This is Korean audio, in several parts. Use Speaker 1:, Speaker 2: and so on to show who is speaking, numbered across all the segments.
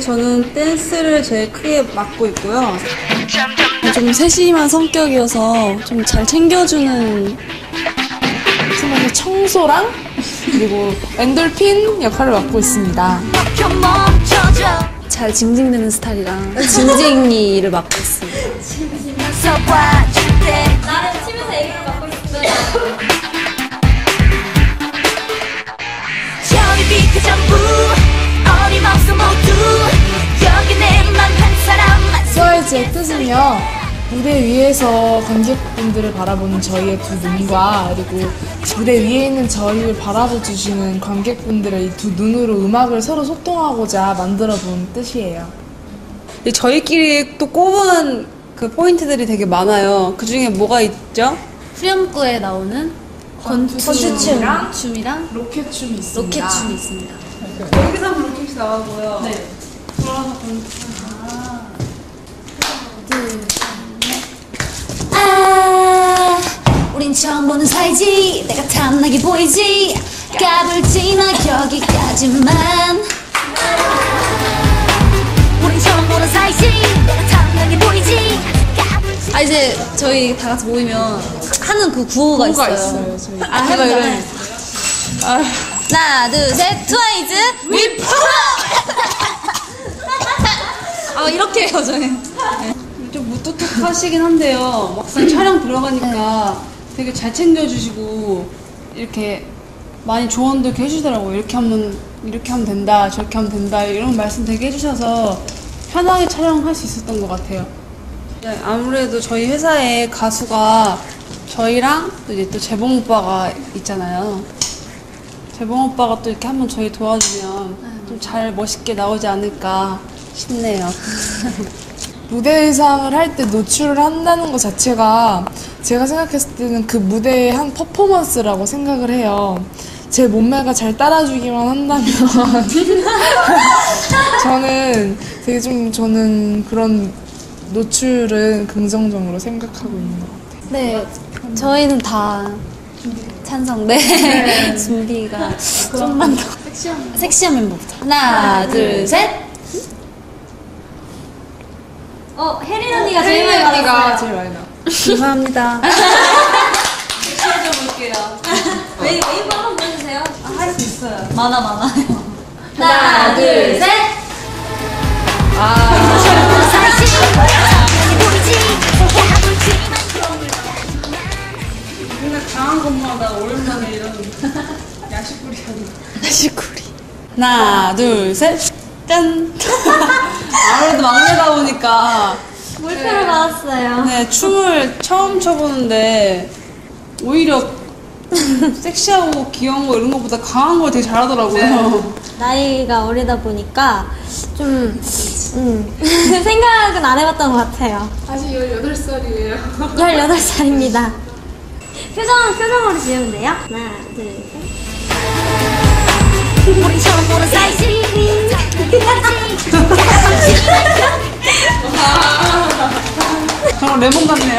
Speaker 1: 저는 댄스를 제일 크게 맡고 있고요.
Speaker 2: 좀 세심한 성격이어서 좀 잘 챙겨주는
Speaker 3: 생각에 청소랑 그리고 엔돌핀 역할을 맡고 있습니다.
Speaker 2: 잘 징징대는 스타일이랑 징징이를 맡고 있습니다.
Speaker 4: 나는 치면서 애교를 맡고 있어요. 저리 비트 전부 어림없어 모두 여기 내만 한 사람만.
Speaker 3: 트와이즈의 뜻은요, 무대 위에서 관객분들을 바라보는 저희의 두 눈과 그리고 무대 위에 있는 저희를 바라봐주시는 관객분들의 이 두 눈으로 음악을 서로 소통하고자 만들어본 뜻이에요.
Speaker 1: 저희끼리 또 꼽은 그 포인트들이 되게 많아요. 그 중에 뭐가 있죠?
Speaker 2: 후렴구에 나오는
Speaker 3: 건투춤이랑
Speaker 2: 춤이랑
Speaker 3: 로켓춤이 있습니다.
Speaker 2: 로켓춤이 있습니다.
Speaker 1: 여기서 한번 로켓이 나가고요. 네. 돌아서
Speaker 4: 아, 우린 처음 보는 사이지. 내가 탐나게 보이지. 까불지 마 여기까지만. 우린 처음 보는 사이지. 내가 탐나게 보이지.
Speaker 2: 아 이제 저희 다 같이 모이면 하는 그 구호가 있어요.
Speaker 3: 저희.
Speaker 2: 해볼까요? 하나 둘 셋 트와이즈 위 아 이렇게 해요 저희.
Speaker 1: 좀 무뚝뚝하시긴 한데요. 막상 촬영 들어가니까 되게 잘 챙겨주시고 이렇게 많이 조언도 이렇게 해주더라고요. 이렇게 하면 된다, 저렇게 하면 된다 이런 말씀 되게 해주셔서 편하게 촬영할 수 있었던 것 같아요. 네, 아무래도 저희 회사에 가수가 저희랑 또 이제 또 재봉 오빠가 있잖아요. 재봉 오빠가 또 이렇게 한번 저희 도와주면 좀 잘 멋있게 나오지 않을까 싶네요.
Speaker 3: 무대 의상을 할 때 노출을 한다는 것 자체가 제가 생각했을 때는 그 무대의 한 퍼포먼스라고 생각을 해요. 제 몸매가 잘 따라주기만 한다면 저는 그런 노출은 긍정적으로 생각하고 있는 것 같아요.
Speaker 2: 네 저희는 다 찬성. 네 준비가 좀만 더 섹시한 멤버부터 하나 둘 셋.
Speaker 4: 혜린 언니가 제일 많이 받았어요.
Speaker 3: 제일 많이 나.
Speaker 1: 감사합니다.
Speaker 4: 볼게요. 웨이브 한번 보여주세요.
Speaker 1: 할 수 있어요.
Speaker 2: 많아요.
Speaker 4: 하나, 둘, 셋.
Speaker 1: 맨날 강한 것마다 오랜만에 이런 야식구리 하는
Speaker 2: 야식구리.
Speaker 1: 하나 둘 셋. 짠. 아무래도 막내다 보니까
Speaker 4: 물표를 받았어요.
Speaker 1: 네, 춤을 처음 춰보는데 오히려 섹시하고 귀여운 거 이런 것보다 강한 걸 되게 잘하더라고요.
Speaker 4: 나이가 어리다 보니까 좀 생각은 안 해봤던 것 같아요.
Speaker 3: 아직 18살이에요.
Speaker 4: 18살입니다. 표정으로 지으면 돼요? 하나, 둘, 셋. 우리 처음 보는 사이즈.
Speaker 1: 정말 레몬 같네요.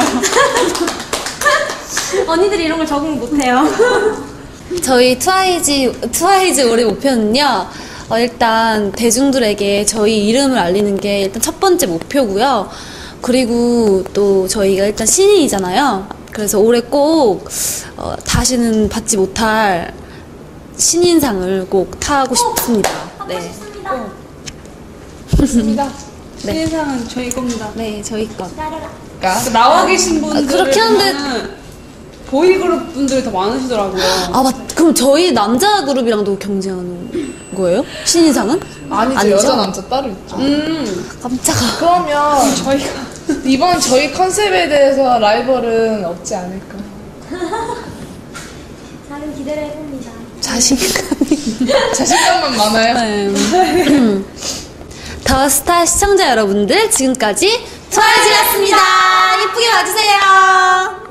Speaker 4: 언니들이 이런 걸 적응 못해요.
Speaker 2: 저희 트와이즈 올해 목표는요. 일단 대중들에게 저희 이름을 알리는 게 일단 첫 번째 목표고요. 그리고 또 저희가 일단 신인이잖아요. 그래서 올해 꼭 다시는 받지 못할 신인상을 꼭 타고 싶습니다. 네.
Speaker 3: 좋습니다.
Speaker 1: 신인상은 저희 겁니다.
Speaker 2: 네, 저희 것.
Speaker 1: 나와 계신 분들
Speaker 2: 그렇게 하는데
Speaker 1: 보이그룹 분들이 더 많으시더라고요.
Speaker 2: 아, 그럼 저희 남자 그룹이랑도 경쟁하는 거예요? 신인상은?
Speaker 3: 아니죠.
Speaker 2: 아니죠?
Speaker 3: 여자 남자 따로 있죠.
Speaker 2: 깜짝아.
Speaker 3: 그러면 저희가 이번 저희 컨셉에 대해서 라이벌은 없지 않을까.
Speaker 4: 작은 기대를 해봅니다.
Speaker 3: 자신감만 많아요.
Speaker 2: 네. 더 스타 시청자 여러분들 지금까지 트와이즈였습니다. 예쁘게 봐주세요.